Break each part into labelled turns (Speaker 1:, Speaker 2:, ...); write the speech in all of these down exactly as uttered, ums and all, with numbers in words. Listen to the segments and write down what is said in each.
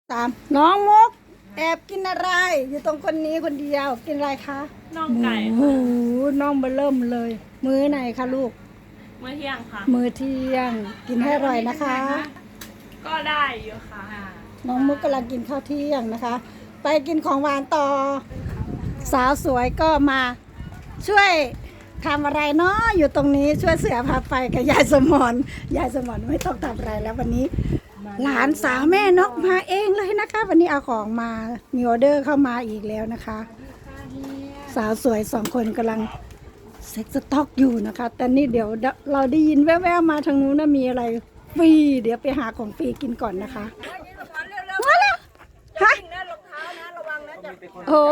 Speaker 1: ตามน้องมุกแอบกินอะไร อยู่ตรงคนนี้คนเดียวกินอะไรคะ
Speaker 2: น่องไก่
Speaker 1: โอ้โหน้องเบลเริ่มเลย มื้อไหนคะลูก
Speaker 2: มื้อเที่ยงค่ะ
Speaker 1: มื้อเที่ยงกินให้อร่อยนะคะ
Speaker 2: ก็ได้อยู่ค่ะ
Speaker 1: น้องมุกกำลังกินข้าวเที่ยงนะคะ ไปกินของหวานต่อ สาวสวยก็มาช่วยทำอะไรเนาะอยู่ตรงนี้ช่วยเสือพาไปกับยายสมรยายสมรไม่ต้องทำอะไรแล้ววันนี้หลานสาวแม่นกมาเองเลยนะคะวันนี้เอาของมามีออเดอร์เข้ามาอีกแล้วนะคะ สาวสวยสองคนกำลังเซ็กสต็อกอยู่นะคะแต่นี่เดี๋ยวเราได้ยินแว่วๆมาทางนู้นนะมีอะไรฟรีเดี๋ยวไปหาของฟรีกินก่อนนะคะมาแล้วฮะโอ้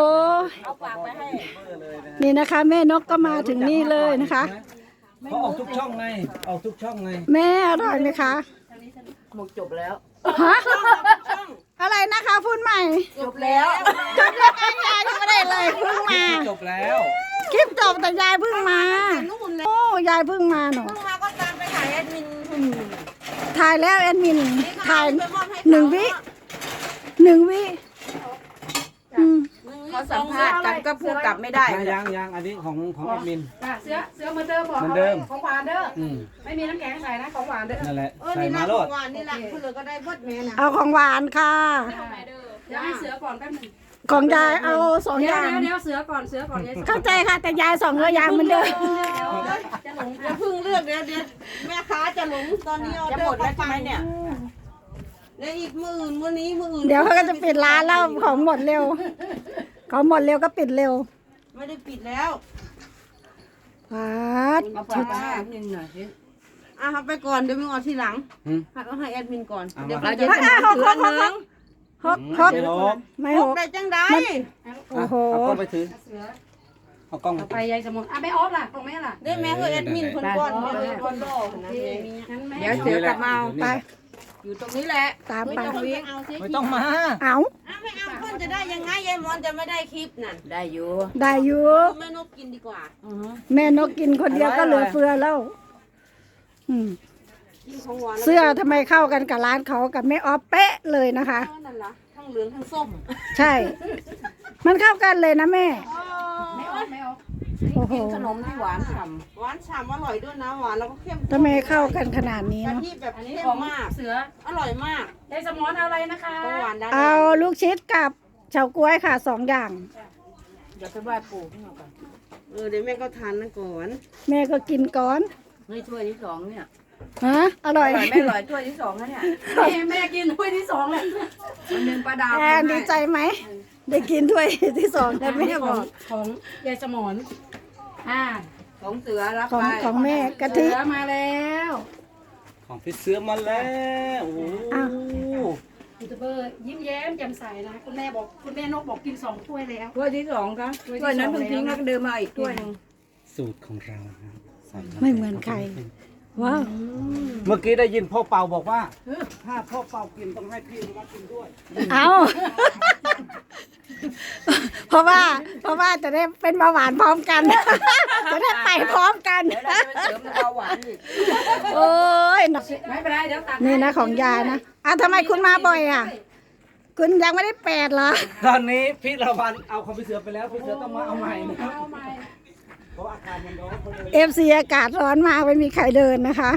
Speaker 1: นี่นะคะแม่นกก็มาถึงนี่เลยนะคะ
Speaker 3: เขาออกทุกช่องไงออกทุกช่องไง
Speaker 1: แม่อร่อยไหมคะ
Speaker 4: หมดจบแล้ว
Speaker 1: ฮะอะไรนะคะพูดใหม่
Speaker 4: จบแล้ว
Speaker 1: จบแล้วยายยังไม่ได้เลยเพิ่งมา
Speaker 3: จบแล้ว
Speaker 1: คลิปจบแต่ยายเพิ่งมาโอ้ยายเพิ่งมาหนู
Speaker 4: เพิ่งมาก็ตามไปถ่ายแอดมิน
Speaker 1: ถ่ายแล้วแอดมินถ่ายหนึ่งวิหนึ่งวิ
Speaker 4: เขาสัมภาษณ์กันก็พูดกลับไม่ได้
Speaker 3: ยังยังอันนี้ของของแอดมิน
Speaker 5: เสื้อเสื้อเหมือนเดิมบอกเขาของหวานเด้อไม่มีน้ำแข็งใส่นะของหวานเด้อ
Speaker 3: นั่นแหละ
Speaker 4: ใส่มาโลดนี่แหละคุณเลยก็ได้บดแม่นะ
Speaker 1: เอาของหวานค่ะ
Speaker 5: เดี๋ยวให้เสือก่อนแป๊บนึง
Speaker 1: ของยายเอาสองอย่าง
Speaker 5: เดี๋ยวเสือก่อนเสือก่อน
Speaker 1: เข้าใจค่ะแต่ยายสองตัวอย่างเหมือนเดิม
Speaker 4: จะหลงจะพึ่งเลือกเดี๋ยวเดี๋ยวแม่ค้าจะหลงตอนนี้ออเดอร์ไปไปเนี่ยเดี๋ยวอีกมื่นวันนี้มื่น
Speaker 1: เดี๋ยวเขาก็จะปิดร้านแล้วของหมดเร็วของหมดเร็วก็ปิดเร็ว
Speaker 4: ไม่ได้ปิดแล้ว
Speaker 1: พัด
Speaker 4: ชุดนิดหน่อยสิอ่ะไปก่อนเดี๋ยวมึงเอาทีหลังเอาให้แอดมินก่อนเดี๋ยวเขาจะถืออันนึง
Speaker 1: ฮกฮกไม่ฮก
Speaker 4: ได้จังได้
Speaker 1: โอ้โห
Speaker 3: เอากล้องไปถือเอากล้อง
Speaker 5: ไปยายสมุนอ่ะไม่ออฟล่ะตรงแม่ล่ะ
Speaker 4: ได้แม่คือแอดมินคนก่อนคนรอนะเดี๋ยวเสือกลับมา
Speaker 1: ไป
Speaker 4: อยู่ตรงนี้แหละ
Speaker 1: ตามไป
Speaker 3: ไม่ต้องมา
Speaker 1: เอา
Speaker 4: ไม่เอาเพื่อนจะได้ยังไงยายมอนจะไม่ได้คลิปนั่นได้อยู่
Speaker 1: ได้อยู่
Speaker 4: แม่นกกินดีกว่า
Speaker 1: แม่นกกินคนเดียวก็เหลือเฟือแล้วเสื้อทำไมเข้ากันกับร้านเขากับแม่ออฟเป๊ะเลยนะคะ
Speaker 4: นั่นล่ะทั้งเหลืองทั้งส้ม
Speaker 1: ใช่มันเข้ากันเลยนะแม่
Speaker 5: ไม่ออฟไม่ออฟ
Speaker 4: กินขนมที่หวานฉ่ำหวานฉ่ำอร่อยด้วยนะหวานแล้วก็เข้ม
Speaker 1: ทำไมเข้ากันขนาดนี้
Speaker 4: เนาะ
Speaker 1: เนาะ
Speaker 4: ที่แบบเข้มมาก
Speaker 5: เสือ
Speaker 4: อร่อยมาก
Speaker 5: ยายสมอนอะไรนะคะ
Speaker 1: เอาลูกชิดกับเฉาก๊วยค่ะสองอย่าง
Speaker 4: เดี๋ยวไปไหว้ปู่ให้เราก่อนเออเดี๋ยวแม่ก็ทานนะก่อน
Speaker 1: แม่ก็กินก่อน
Speaker 4: นี่ถ้วยที่สองเนี่ย
Speaker 1: ฮะอร่อย
Speaker 4: ไม่อร่อยถ้วยที่สองนะเนี่ย
Speaker 5: แม่กินถ้วยที่สองเลย
Speaker 4: วันนึงป้าดาว
Speaker 1: แอนดีใจไหมได้กินถ้วยที่สองแต่แม่บอก
Speaker 5: ของยายสมอนอ่า
Speaker 4: ของเสือรับ
Speaker 1: ไปของแม่กะทิ
Speaker 5: เสือมาแล้ว
Speaker 3: ของพี่เสือมาแล้วโอ้
Speaker 5: ยูทูบเบอร์ยิ้มแย้มแจ่มใสนะคุณแม่บอกคุณแม่นกบอกกินสองถ้วยแล้ว
Speaker 4: ถ้วยที่สองครับถ้วยนั้นเพิ่งทิ้งแล้วก็เดินมาอีกถ้วยนึง
Speaker 3: สูตรของเรา
Speaker 1: ไม่เหมือนใครว้าว
Speaker 3: เมื่อกี้ได้ยินพ่อเป่าบอกว่าถ้าพ่อเป่ากินต้องให้พี่มากินด้วย
Speaker 1: เอาเพราะว่าเพราะว่าจะได้เป็นเบาหวานพร้อมกันจะได้ไปพร้อมกัน
Speaker 4: เบาหวานอีก
Speaker 1: โอ้ย
Speaker 5: ไม่เป็นไรเดี๋ยวตัด
Speaker 1: นี่นะของยายนะอ่ะทำไมคุณมาบ่อยอ่ะคุณยังไม่ได้แปดเหรอ
Speaker 3: ตอนนี้พี่ละวันเอาของพี่เสือไปแล้วพี่เสือต้องมาเอาใหม่นะครับเพราะอากาศมันร้อน
Speaker 1: เอฟซีอากาศร้อนมากไม่มีใครเดินนะคะ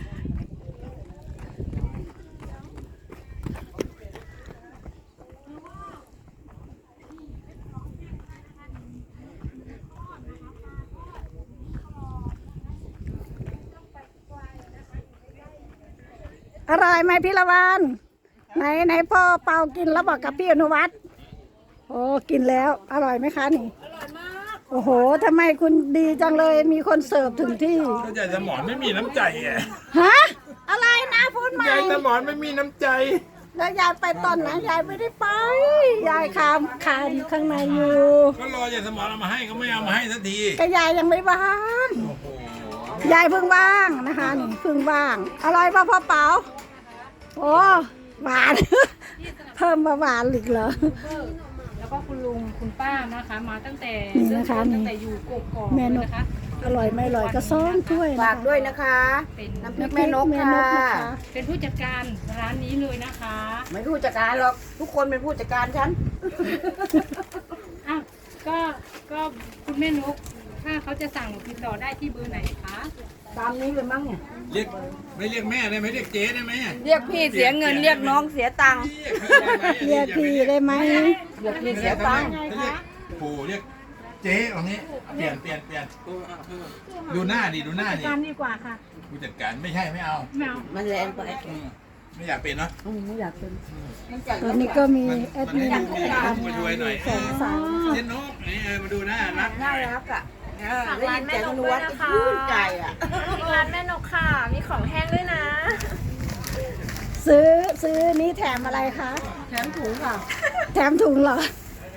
Speaker 1: อร่อยไหมพี่ละวันไหนไหนพ่อเปากินแล้วบอกกับพี่อนุวัฒน์โอ้กินแล้วอร่อยไหมคะนี่
Speaker 4: อร่อยมาก
Speaker 1: โอ้โหทำไมคุณดีจังเลยมีคนเสิร์ฟถึงที่
Speaker 6: ก็ยายสมอนไม่มีน้ำใจไง
Speaker 1: ฮะอะไรนะพูดใหม่
Speaker 6: ยายสมอนไม่มีน้ำใจ
Speaker 1: แล้วยายไปตอนไหนยายไม่ได้ไปยายคามคานข้างในอยู่
Speaker 6: ก็รอยายสมอนเอามาให้ก็ไม่เอามาให้สักที
Speaker 1: ก็ยายยังไม่ว่างยายเพิ่งว่างนะคะนี่เพิ่งว่างอร่อยป่ะพ่อเป๋าโอ้หวานเพิ่มมาหวานอีกเหรอ
Speaker 5: แล้วก็คุณลุงคุณป้านะคะมาตั้งแต่เริ่มตั้งแต่อยู่กกอกนะคะ
Speaker 1: อร่อยไม่อร่อยก็ซ้อนถ้วยนะ
Speaker 4: ฝาก
Speaker 1: คะ
Speaker 4: ด้วยนะคะ
Speaker 5: เป็น
Speaker 4: น้ำพริกแม่นก
Speaker 1: แม่
Speaker 4: ค่ะ
Speaker 1: นกนะคะ
Speaker 5: เป็นผู้จัดการร้านนี้เลยนะคะ
Speaker 4: ไม่ผู้จัดการหรอกทุกคนเป็นผู้จัดการฉัน
Speaker 5: อ้าวก็ก็คุณแม่นก ถ้าเขาจะสั่งติดต่อได้ที่เบอร์ไหนคะ
Speaker 4: ตามนี้เลยมั้งเนี่ย
Speaker 6: เรียกไม่เรียกแม่ได้ไหมเรียกเจ๊ได้ไหม
Speaker 4: เรียกพี่เสียเงินเรียกน้องเสียตังค์
Speaker 1: เรียกพี่ได้ไหม
Speaker 4: เรียกพี่เสียตังค์
Speaker 6: เรียกปู่เรียกเจ๊ตรงนี้เปลี่ยนเปลี่ยนเปลี่ยนดูหน้าดิดูหน้าดิ
Speaker 5: การดีกว่าค่ะ
Speaker 6: ผู้จัดการไม่ใช่ไม่เอา
Speaker 5: แมว
Speaker 4: มันแรงไป
Speaker 6: อืมไม่อยากเป็นเนาะ
Speaker 4: อืมไม่อยากเป็น
Speaker 1: ตอนนี้ก็มี
Speaker 6: มัน
Speaker 1: แอด
Speaker 6: มัน
Speaker 1: มิน
Speaker 6: ให้ดูมีลูกมาช่วยหน่อย
Speaker 1: สองสาว
Speaker 6: เจ๊นกนี่เออมาดูหน้ารักหน่
Speaker 4: น่า
Speaker 6: อย
Speaker 4: รักอ่ะเออได้ยินเสียงนวดก็ชื่นใจอ่ะ
Speaker 2: ร้านแม่นกค่ะ มีของแห้งด้วยนะ
Speaker 1: ซื้อซื้อนี้แถมอะไรคะ
Speaker 4: แถมถุงค่ะ
Speaker 1: แถมถุงเหรอ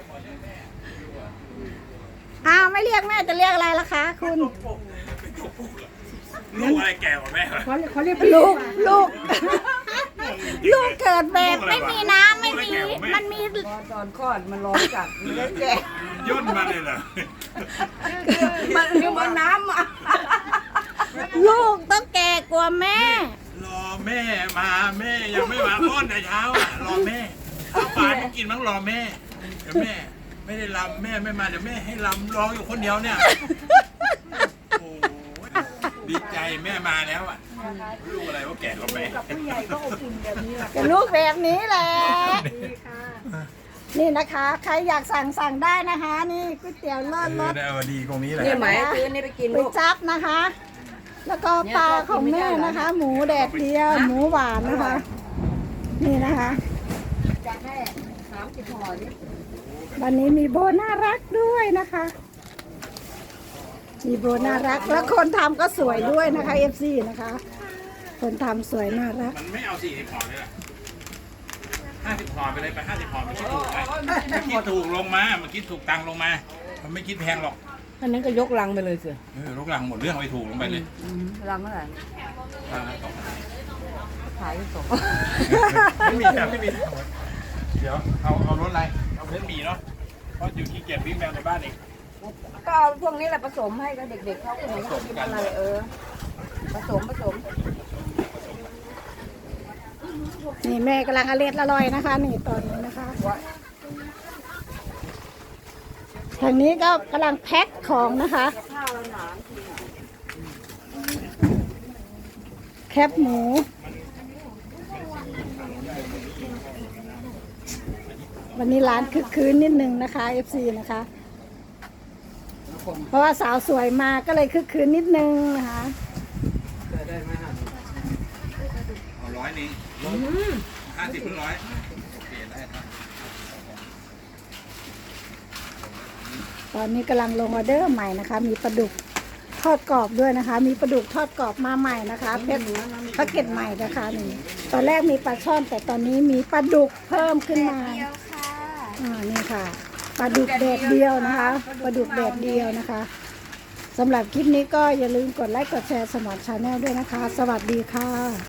Speaker 1: อ้าวไม่เรียกแม่จะเรียกอะไรล่ะคะ คุณ
Speaker 6: ลูกอะไรแก่กว่าแม่วะ
Speaker 5: เขาเขาเรียก
Speaker 1: ลูกลูก ลูกเกิดแบบไม่มีน้ำไม่มี มันมี
Speaker 4: รอตอนคลอดมันร้อนจัดมันเลยแก่
Speaker 6: ย่นมาเลยเหรอ
Speaker 4: มันคือมันน้ำอ่ะ
Speaker 1: ลูกต้องแก่กว่าแม่
Speaker 6: รอแม่มาแม่ยังไม่มาอ้อนแต่เช้าอ่ะรอแม่เอาปลาไม่กินมั้งรอแม่เดี๋ยวแม่ไม่ได้ลำแม่ไม่มาเดี๋ยวแม่ให้ลำร้องอยู่คนเดียวเนี่ยโอ้ยดีใจแม่มาแล้วอ่ะลูกอะไรว่าแก่กว่าแม่
Speaker 1: กับลูกแบบนี้แหละ นี่นะคะ ใครอยากสั่งสั่งได้นะคะ นี่ก๋วยเตี๋ยวเลิศรส
Speaker 6: เออดีตรงนี้แหละ
Speaker 4: นี่ไหมซื้อนี่ไปกิน
Speaker 1: ก๋ว
Speaker 4: ลู
Speaker 1: ย
Speaker 4: ก
Speaker 1: จั๊บนะคะ แล้วก็ปลาของแม่นะคะ หมูแดดเดียว หมูหวานนะคะ นี่นะคะ
Speaker 4: จะให้สามสิบห่อนี่
Speaker 1: วันนี้มีโบน่ารักด้วยนะคะ มีโบน่ารัก แล้วคนทำก็สวยด้วยนะคะ เอฟ ซี นะคะ คนทำสวยน่ารัก
Speaker 6: มันไม่เอาสี่สิบห่อเลยล่ะห้าสิบห่อไปเลยไปห้าสิบห่อมันคิดถูกไหมมันคิดถูกลงมามันคิดถูกตังค์ลงมา มันไม่คิดแพงหรอก
Speaker 4: อันนั้นก็ยกลังไปเลยสิ
Speaker 6: เออลูกหลังหมดเรื่องไปถูกลงไปเลย
Speaker 4: ลังเท่าไหร่
Speaker 6: อ่าสองพัน
Speaker 4: ขายสอง
Speaker 6: ไม่มีครับไม่มีเดี๋ยวเอาเอารถอะไรเอาเส้นหมี่เนาะเพราะอยู่ที่เกียจวิ่งแมวในบ้านเอง
Speaker 4: ก็เอาพวกนี้แหละผสมให้กับเด็กๆเขาไม่อยากกินอะไรเออ ผสมผสม
Speaker 1: นี่แม่กำลังอร่อยอร่อยนะคะ นี่ตอนนี้นะคะทางนี้ก็กำลังแพ็คของนะคะ แคบหมู วันนี้ร้านคึกคืนนิดนึงนะคะ เอฟ ซี นะคะ เพราะว่าสาวสวยมาก็เลยคึกคืนนิดนึงนะคะ
Speaker 6: เอาร้อยหนึงห้าสิบหรือร้อยเปลี่ยนได้ครับ
Speaker 1: ตอนนี้กำลังลงออเดอร์ใหม่นะคะ มีปลาดุกทอดกรอบด้วยนะคะ มีปลาดุกทอดกรอบมาใหม่นะคะเพชรแพ็กเกจใหม่นะคะนี่ตอนแรกมีปลาช่อน แต่ตอนนี้มีปลาดุกเพิ่มขึ้นมาอ่านี่ค่ะปลาดุกแดดเดียวนะคะปลาดุกแดดเดียวนะคะสำหรับคลิปนี้ก็อย่าลืมกดไลค์กดแชร์สมอนชาแนลด้วยนะคะ สวัสดีค่ะ